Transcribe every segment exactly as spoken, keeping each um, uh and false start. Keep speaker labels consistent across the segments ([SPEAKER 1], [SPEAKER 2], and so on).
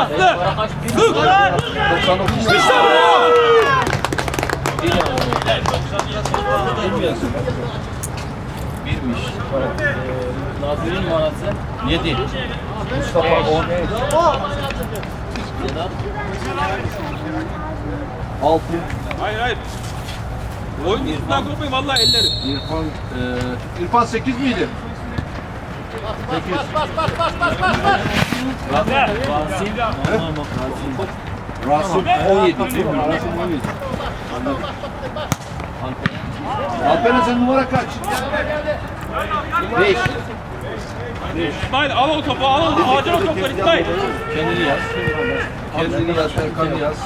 [SPEAKER 1] Aslı! Sık! İşte bu!
[SPEAKER 2] Birmiş. Nazır'ın numarası yedi. Mustafa on. altı.
[SPEAKER 1] Hayır hayır. Oyun üstünden kopmayın vallahi elleri.
[SPEAKER 2] İrfan, e, İrfan sekiz miydi? sekiz.
[SPEAKER 3] Bas bas bas bas bas bas.
[SPEAKER 2] Rasim on yedi değil mi? Rasim on yedi. Alperen sen numara kaç? beş.
[SPEAKER 1] İsmail al o topu al o ağacın o topları İsmail.
[SPEAKER 2] Kendini yaz. Kendini yaz, Erkan'ı yaz.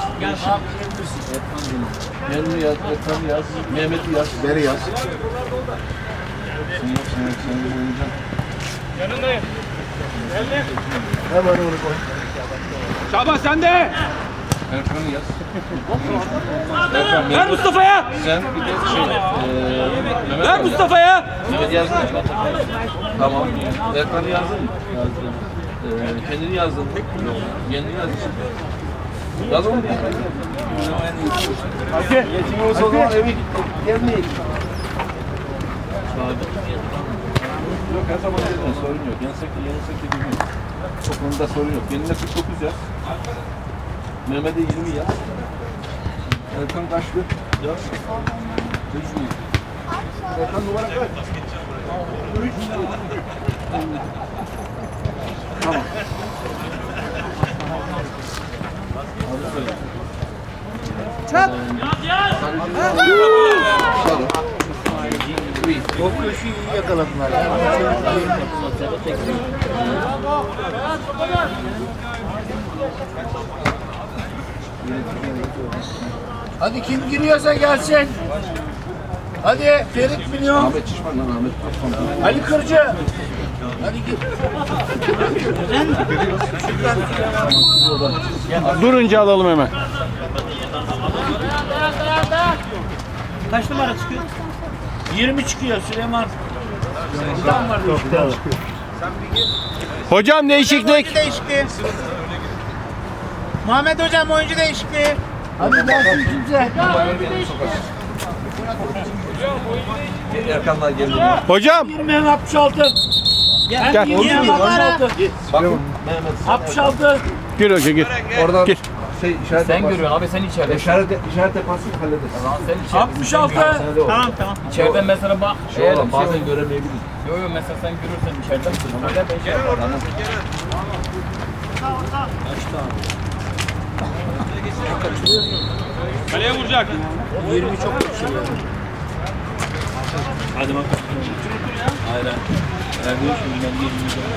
[SPEAKER 2] Kendini yaz, Erkan'ı yaz. Mehmet'i yaz, Beri yaz. Sen yap, sen yap, sen yap, oynayacaksın.
[SPEAKER 1] Yanındayım. Geldim.
[SPEAKER 2] Hemen onu koy.
[SPEAKER 1] Şaban sen de.
[SPEAKER 2] Erkan'ı yaz. Erkan,
[SPEAKER 1] Ver Mustafa'ya.
[SPEAKER 2] sen bir de şey, eee Mehmet
[SPEAKER 1] Ver
[SPEAKER 2] yaz.
[SPEAKER 1] Mustafa'ya.
[SPEAKER 2] Mehmet yazdın mı? Tamam. Erkan'ı yazdın mı? Yazdım. Ee, kendini yazdın. Kendini yazdın. Yaz onu. Hadi. Geçimiz o zaman eve gitti. Gelmeyin. Yok her zaman yerine sorun yok. Yensek de yensek de bilmiyorum. O konuda sorun yok. Kendine kırk dokuz yaz. Mehmet'e yirmi yaz. Erkan kaçtı? Yaz. üç mü? Erkan numara kaç? üç. Tamam.
[SPEAKER 3] Çat.
[SPEAKER 2] O köşeyi iyi yakaladılar.
[SPEAKER 3] Hadi kim giriyorsa gelsin. Hadi Ferit milyon.
[SPEAKER 2] Ahmet Çişman lan Ahmet Çişman.
[SPEAKER 3] Ali Kırcı. Hadi git.
[SPEAKER 4] Durunca alalım hemen.
[SPEAKER 3] Kaç numara çıkıyor? yirmi çıkıyor Süleyman. Tam var işte.
[SPEAKER 4] Hocam değişiklik.
[SPEAKER 3] Oyuncu değişikliği. Muhammed hocam oyuncu değişikliği. Hadi gelsin kimse.
[SPEAKER 2] Erkan'dan geldi.
[SPEAKER 4] Hocam.
[SPEAKER 3] Mehmet altmış altı. Gel.
[SPEAKER 4] Gel.
[SPEAKER 3] Mehmet
[SPEAKER 2] Bakın Mehmet.
[SPEAKER 3] altmış altı.
[SPEAKER 4] Gir hoca gir.
[SPEAKER 2] Oradan
[SPEAKER 4] Gir.
[SPEAKER 2] şey işaret
[SPEAKER 5] Sen görüyorsun abi sen içeride.
[SPEAKER 2] İşaret işaret yaparsın hallederiz.
[SPEAKER 5] Tamam sen içeride.
[SPEAKER 3] altmış altı. Tamam tamam.
[SPEAKER 5] İçeriden mesela bak.
[SPEAKER 2] Şey
[SPEAKER 5] Eğer
[SPEAKER 2] olan
[SPEAKER 5] bir şey
[SPEAKER 2] bazen
[SPEAKER 5] olur.
[SPEAKER 2] göremeyebiliriz.
[SPEAKER 5] Yo yo mesela sen görürsen içeriden söyle ben şey yaparım.
[SPEAKER 1] Kaleye vuracak.
[SPEAKER 3] yirmi çok bir şey.
[SPEAKER 1] Hadi bak.
[SPEAKER 2] Aynen. Erdoğan şimdi ben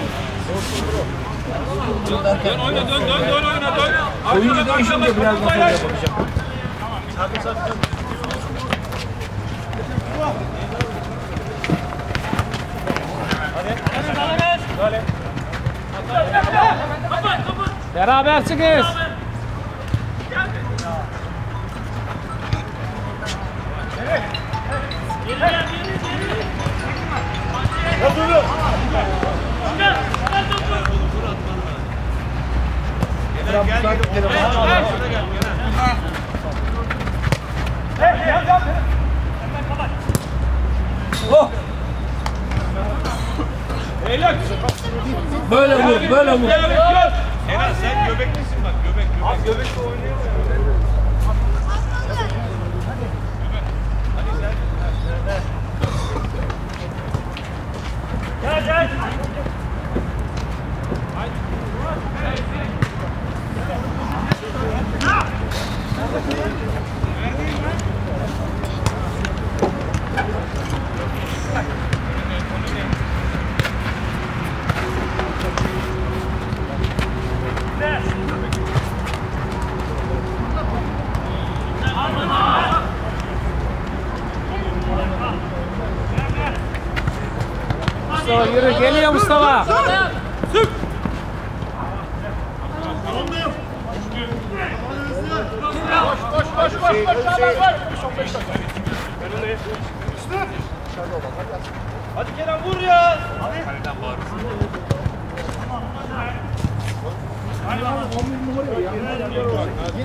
[SPEAKER 1] Dön oyna dön dön dön oyna dön.
[SPEAKER 3] Oyuncu değişince biraz masaj yapacağım.
[SPEAKER 4] Berabersiniz.
[SPEAKER 3] Böyle vur, böyle vur.
[SPEAKER 1] Enes sen göbeklisin bak göbek göbek. Abi göbekle oynuyor. Gel gel.
[SPEAKER 4] Mustafa yürü geliyor Mustafa.
[SPEAKER 1] Sık.
[SPEAKER 3] Koş, koş, koş, koş, koş.
[SPEAKER 1] Hadi Kerem vur ya. Hadi. Kaleden bağırırsın.
[SPEAKER 3] on bir numara ya.